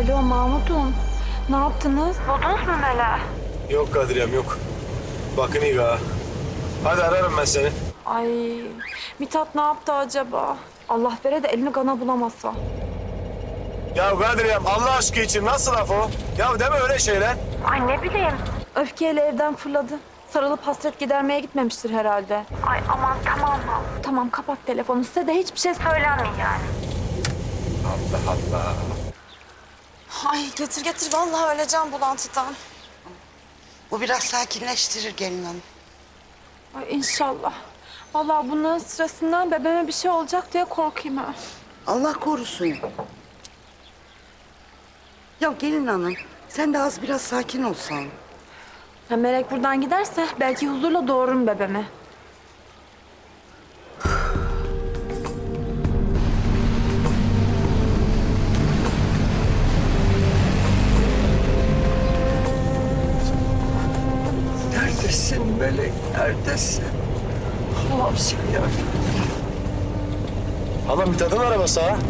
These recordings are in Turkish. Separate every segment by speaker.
Speaker 1: Alo Mahmut'um. Ne yaptınız? Buldunuz mu Melek'i?
Speaker 2: Yok Kadir'im yok. Bakın iyi ha. Hadi ararım ben seni.
Speaker 1: Ay Mithat ne yaptı acaba? Allah vere de elini kana bulamazsa.
Speaker 2: Ya Kadir'im Allah aşkı için nasıl laf o? Ya deme öyle şeyler.
Speaker 1: Ay ne bileyim. Öfkeyle evden fırladı. Sarılıp hasret gidermeye gitmemiştir herhalde. Ay aman tamam. Tamam kapat telefonu. Size de hiçbir şey söylenmeyin yani.
Speaker 2: Allah Allah.
Speaker 3: Ay getir vallahi öleceğim bulantıdan.
Speaker 4: Bu biraz sakinleştirir gelin hanım.
Speaker 1: Ay inşallah. Vallahi bunların sırasından bebeğime bir şey olacak diye korkayım ha.
Speaker 4: Allah korusun. Ya gelin hanım, sen de az biraz sakin olsan.
Speaker 1: Ya Melek buradan giderse belki huzurla doğururum bebeğimi.
Speaker 4: Neredesin Melek, neredesin? Allah'ım sen yardım et.
Speaker 2: Hala Mithat'ın arabası ha.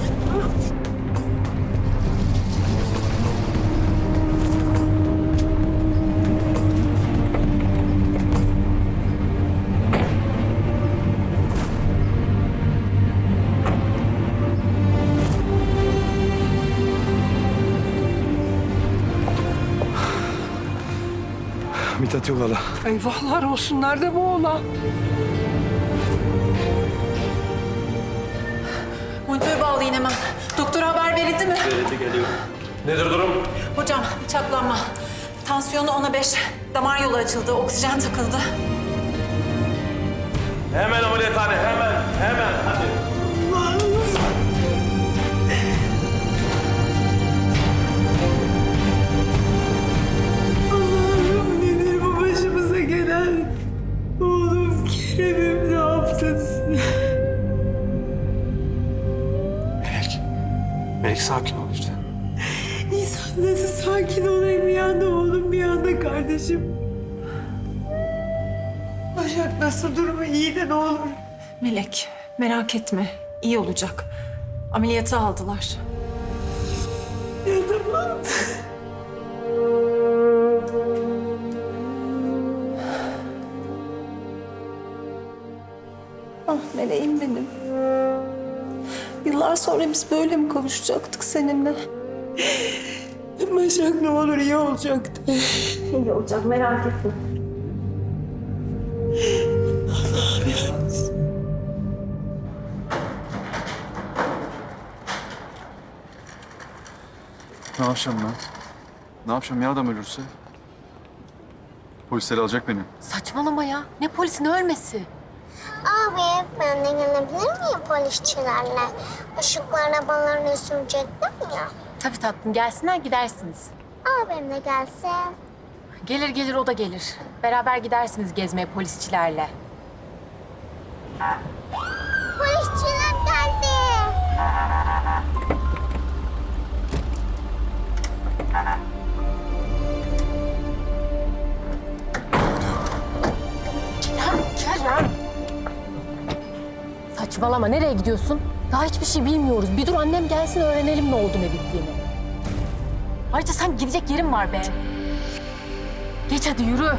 Speaker 2: Mithat yok hala.
Speaker 4: Eyvahlar olsun, nerede bu oğlan?
Speaker 3: Monitörü bağlayın hemen. Doktora haber verildi mi?
Speaker 2: Verildi geliyor. Nedir durum?
Speaker 3: Hocam bıçaklanma. Tansiyonu 10'a 5. Damar yolu açıldı. Oksijen takıldı.
Speaker 2: Hemen ameliyathane hemen hadi.
Speaker 4: Allah'ım nedir bu başımıza gelen? Oğlum Kerem'im ne yaptın sen?
Speaker 2: Melek sakin ol lütfen.
Speaker 4: İnsan nasıl sakin olayım bir anda oğlum bir anda kardeşim. Başak nasıl durumu iyi de ne olur.
Speaker 3: Melek merak etme. İyi olacak. Ameliyata aldılar.
Speaker 4: Ya tamam.
Speaker 3: Ah meleğim benim. Yıllar sonra biz böyle mi kavuşacaktık seninle?
Speaker 4: Başak ne olur iyi olacaktı.
Speaker 3: İyi olacak merak etme.
Speaker 5: Ne yapacağım ben? Ne yapacağım ya adam ölürse? Polisler alacak beni.
Speaker 6: Saçmalama ya. Ne polisi ne ölmesi?
Speaker 7: Abi ben de gelebilir miyim polisçilerle? Işıklı arabalarını sürecektim ya.
Speaker 6: Tabii tatlım gelsinler gidersiniz.
Speaker 7: Abim de gelse.
Speaker 6: Gelir o da gelir. Beraber gidersiniz gezmeye polisçilerle.
Speaker 7: Polisçiler geldi.
Speaker 6: Kerem. Saçmalama nereye gidiyorsun? Daha hiçbir şey bilmiyoruz. Bir dur annem gelsin öğrenelim ne oldu ne bittiğini. Ayrıca sen gidecek yerin var be. Geç hadi yürü.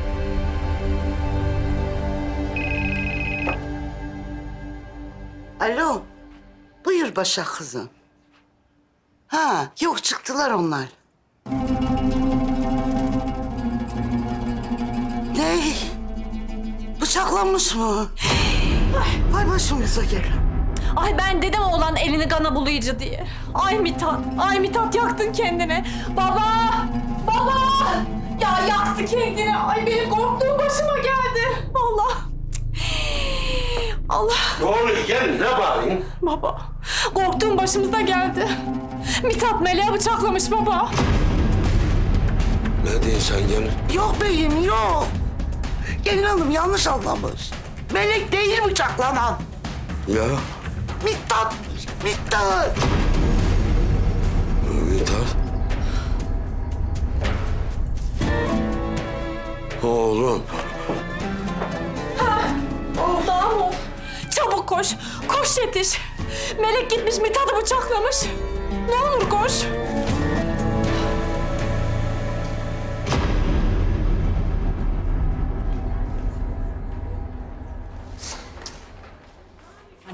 Speaker 4: Alo, buyur Başak kızım. Ha, yok çıktılar onlar. Ne? Bıçaklanmış mı? Vay başımıza gelen.
Speaker 1: Ay ben dedim oğlan elini kana bulayıcı diye. Ay Mithat yaktın kendini. Baba! Ya yaktı kendini. Ay benim korktuğum başıma geldi. Allah.
Speaker 8: Ne oluyor gelin ne bağırayım?
Speaker 1: Baba, korktuğum başımıza geldi. Mithat Melek'i bıçaklamış baba.
Speaker 8: Ne diyorsun sen gelin?
Speaker 4: Yok beyim, yok. Gelin hanım yanlış anlamış. Melek değil bıçaklanan.
Speaker 8: Ya
Speaker 4: Mithat, Mithat.
Speaker 8: Mithat. Oğlum.
Speaker 1: Mahmut, çabuk koş. Koş yetiş. Melek gitmiş Mithat'ı bıçaklamış. Ne olur koş.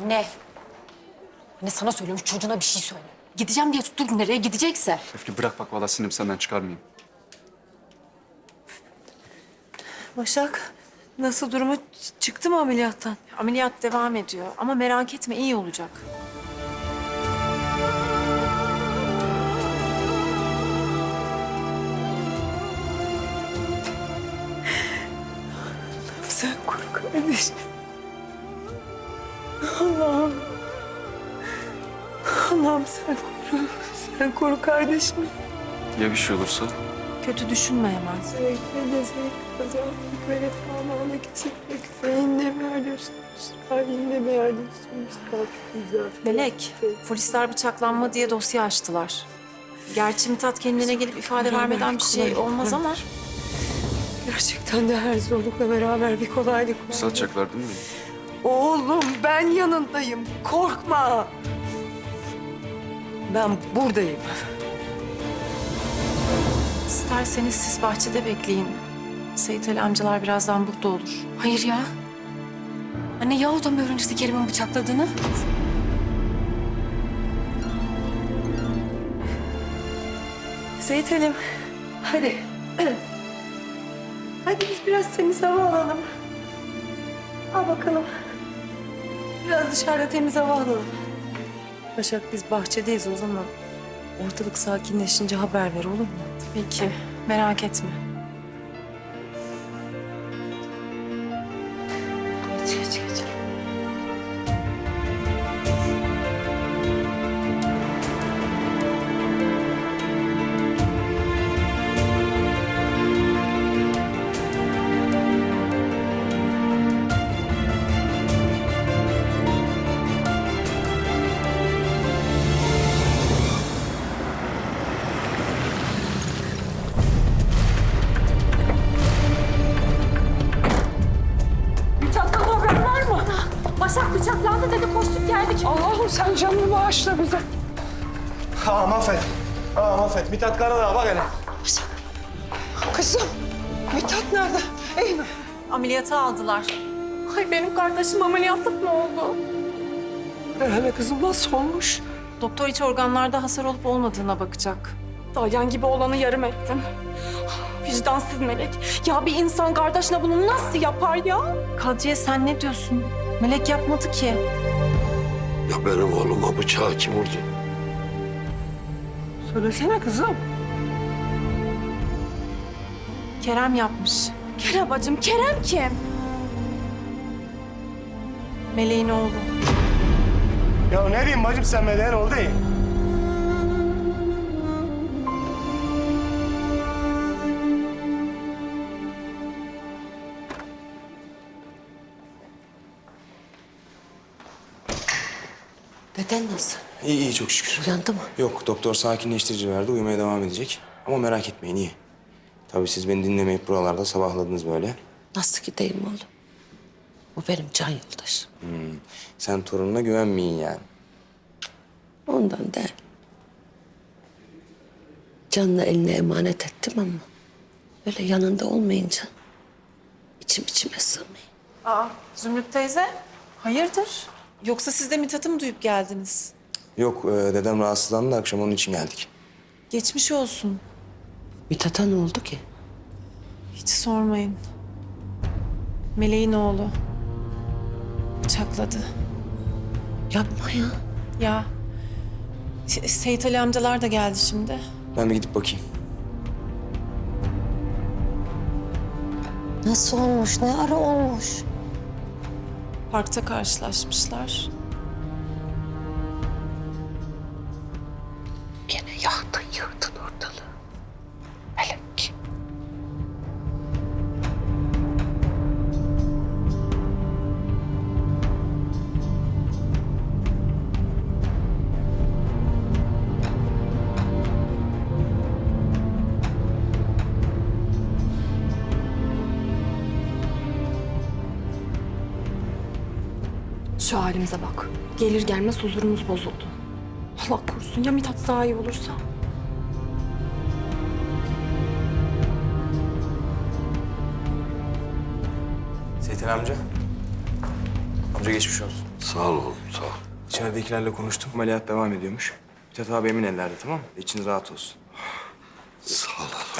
Speaker 6: Anne. Anne sana söylüyorum çocuğuna bir şey söyle. Gideceğim diye tuttur nereye gidecekse.
Speaker 5: Öfke bırak bak vallahi sinirimi senden çıkarmayayım.
Speaker 4: Başak, nasıl durumu? Çıktı mı ameliyattan?
Speaker 3: Ameliyat devam ediyor ama merak etme iyi olacak.
Speaker 4: Sen koru kardeşim. Allah'ım. Allah'ım sen koru. Sen koru kardeşim.
Speaker 5: Ya bir şey olursa?
Speaker 3: Kötü düşünme hemen.
Speaker 4: Zevkle kazandık ve refahlarla kesinlik. Sen de mi arıyorsunuz? Hain de mi arıyorsunuz? Çok güzel.
Speaker 3: Melek, polisler bıçaklanma diye dosya açtılar. Gerçi Mithat kendine gelip ifade vermeden bir şey olmaz ama...
Speaker 4: Gerçekten de her zorlukla beraber bir kolaylık var.
Speaker 5: Satacaklar değil mi?
Speaker 4: Oğlum ben yanındayım. Korkma. Ben buradayım.
Speaker 3: İsterseniz siz bahçede bekleyin. Seyit Ali amcalar birazdan burada olur.
Speaker 6: Hayır ya. Anne ya o da mı öğrenirse Kerim'in bıçakladığını?
Speaker 4: Seyit Halim, hadi. Hadi biz biraz temiz hava alalım. Al bakalım. Biraz dışarıda temiz hava alalım. Başak biz bahçedeyiz o zaman. Ortalık sakinleşince haber ver olur mu?
Speaker 3: Tabii ki. Merak etme.
Speaker 4: Geç.
Speaker 6: Başak bıçaklandı dedi koştuk geldik.
Speaker 4: Allah'ım sen canını bağışla bize.
Speaker 2: Ağam affet. Ağam affet. Mithat Karadağ bak hele.
Speaker 4: Kızım, Mithat nerede? İyi mi?
Speaker 3: Ameliyata aldılar.
Speaker 6: Ay benim kardeşim ameliyatlık mı oldu?
Speaker 4: Hele kızım nasıl olmuş?
Speaker 3: Doktor iç organlarda hasar olup olmadığına bakacak.
Speaker 1: Dalyan gibi olanı yarım ettin. Vicdansız melek. Ya bir insan kardeşine bunu nasıl yapar ya?
Speaker 3: Kadriye sen ne diyorsun? Melek yapmadı ki.
Speaker 8: Ya benim oğluma bıçağı kim vurdu?
Speaker 4: Söylesene kızım.
Speaker 3: Kerem yapmış.
Speaker 1: Kerem bacım, Kerem kim?
Speaker 3: Meleğin oğlu.
Speaker 2: Ya ne diyeyim bacım sen meleğin oldu ya.
Speaker 9: Deden nasıl?
Speaker 10: İyi çok şükür.
Speaker 9: Uyandı mı?
Speaker 10: Yok doktor sakinleştirici verdi uyumaya devam edecek. Ama merak etmeyin iyi. Tabii siz beni dinlemeyip buralarda sabahladınız böyle.
Speaker 9: Nasıl gideyim oğlum? O benim can yoldaşım.
Speaker 10: Sen torununa güvenmeyin yani.
Speaker 9: Ondan değil. Canını eline emanet ettim ama... ...böyle yanında olmayınca... içime sığmıyor.
Speaker 3: Aa, Zümrüt teyze. Hayırdır? Yoksa siz de Mithat'ı mı duyup geldiniz?
Speaker 10: Yok dedem rahatsızlandı da akşam onun için geldik.
Speaker 3: Geçmiş olsun.
Speaker 9: Mithat'a ne oldu ki?
Speaker 3: Hiç sormayın. Meleğin oğlu. Bıçakladı.
Speaker 9: Yapma ya.
Speaker 3: Ya. Seyit Ali amcalar da geldi şimdi.
Speaker 10: Ben bir gidip bakayım.
Speaker 9: Nasıl olmuş? Ne ara olmuş?
Speaker 3: Parkta karşılaşmışlar.
Speaker 9: Gene yaktın yıktın ortalığı. Hele ki.
Speaker 1: Şu halimize bak. Gelir gelmez huzurumuz bozuldu. Allah korusun ya Mithat daha iyi olursa?
Speaker 10: Seyit'in amca. Amca geçmiş olsun.
Speaker 8: Sağ ol oğlum, sağ ol.
Speaker 10: İçeridekilerle konuştum. Ameliyat devam ediyormuş. Mithat abi emin ellerde, tamam mı? İçin rahat olsun.
Speaker 8: Sağ ol oğlum.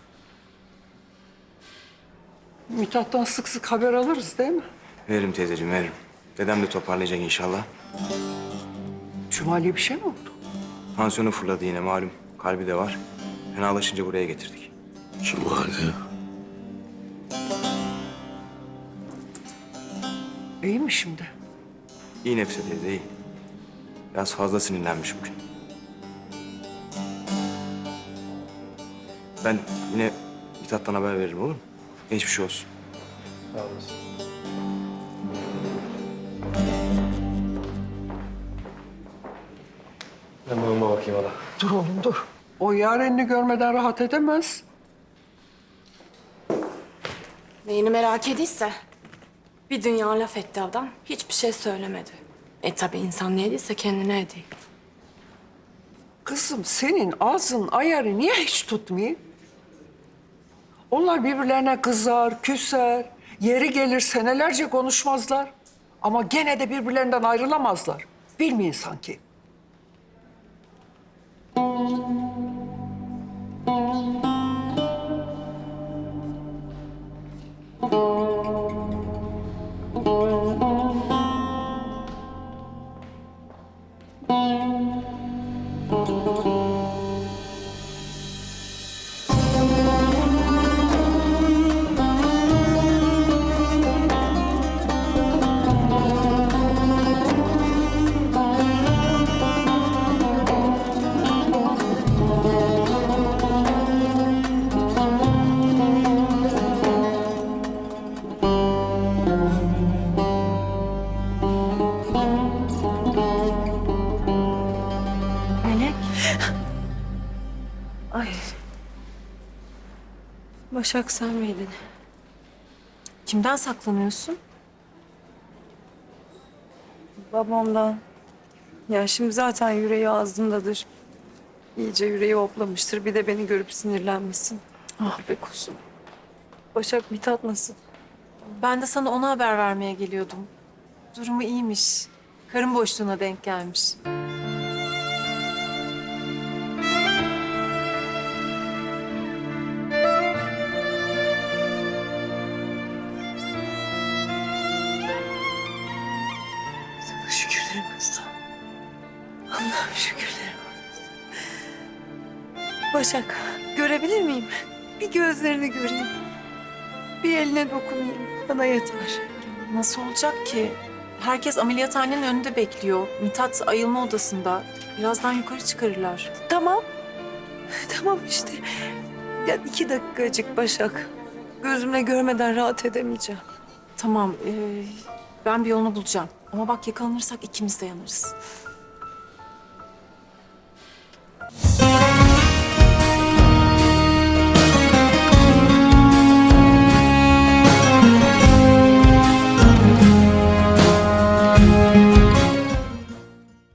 Speaker 11: Mithat'tan sık sık haber alırız değil mi?
Speaker 10: Veririm teyzeciğim, veririm. Dedem de toparlayacak inşallah.
Speaker 11: Cumali'ye bir şey mi oldu?
Speaker 10: Tansiyonu fırladı yine malum. Kalbi de var. Fenalaşınca buraya getirdik.
Speaker 8: Cumali.
Speaker 11: İyi mi şimdi?
Speaker 10: İyi Nefise teyze, iyi. Biraz fazla sinirlenmiş bugün. Ben yine Mithat'tan haber veririm, olur mu? Geçmiş olsun.
Speaker 5: Sağ olasın. Ben babama bakayım hala.
Speaker 11: Dur oğlum dur. O yarenini görmeden rahat edemez.
Speaker 1: Neyini merak ediyse bir dünya laf etti adam. Hiçbir şey söylemedi. Tabii insan ne ediyse kendine ediyor.
Speaker 11: Kızım senin ağzın ayarı niye hiç tutmuyor? Onlar birbirlerine kızar, küser. Yeri gelir senelerce konuşmazlar. Ama gene de birbirlerinden ayrılamazlar. Bilmeyin sanki.
Speaker 4: Ay. Başak sen miydin?
Speaker 3: Kimden saklanıyorsun?
Speaker 4: Babamdan. Ya şimdi zaten yüreği ağzındadır. İyice yüreği hoplamıştır. Bir de beni görüp sinirlenmesin.
Speaker 3: Ah be kuzum.
Speaker 4: Başak Mithat nasıl?
Speaker 3: Ben de sana ona haber vermeye geliyordum. Durumu iyiymiş. Karın boşluğuna denk gelmiş.
Speaker 4: Sana şükürlerim olsun. Allah'ım şükürlerim olsun. Başak görebilir miyim? Bir gözlerini göreyim. Bir eline dokunayım. Bana yeter.
Speaker 3: Nasıl olacak ki? Herkes ameliyathanenin önünde bekliyor. Mithat ayılma odasında. Birazdan yukarı çıkarırlar.
Speaker 4: Tamam. Tamam işte. Ya 2 dakikacık Başak. Gözümle görmeden rahat edemeyeceğim.
Speaker 3: Tamam, ben bir yolunu bulacağım. Ama bak yakalanırsak ikimiz de yanarız.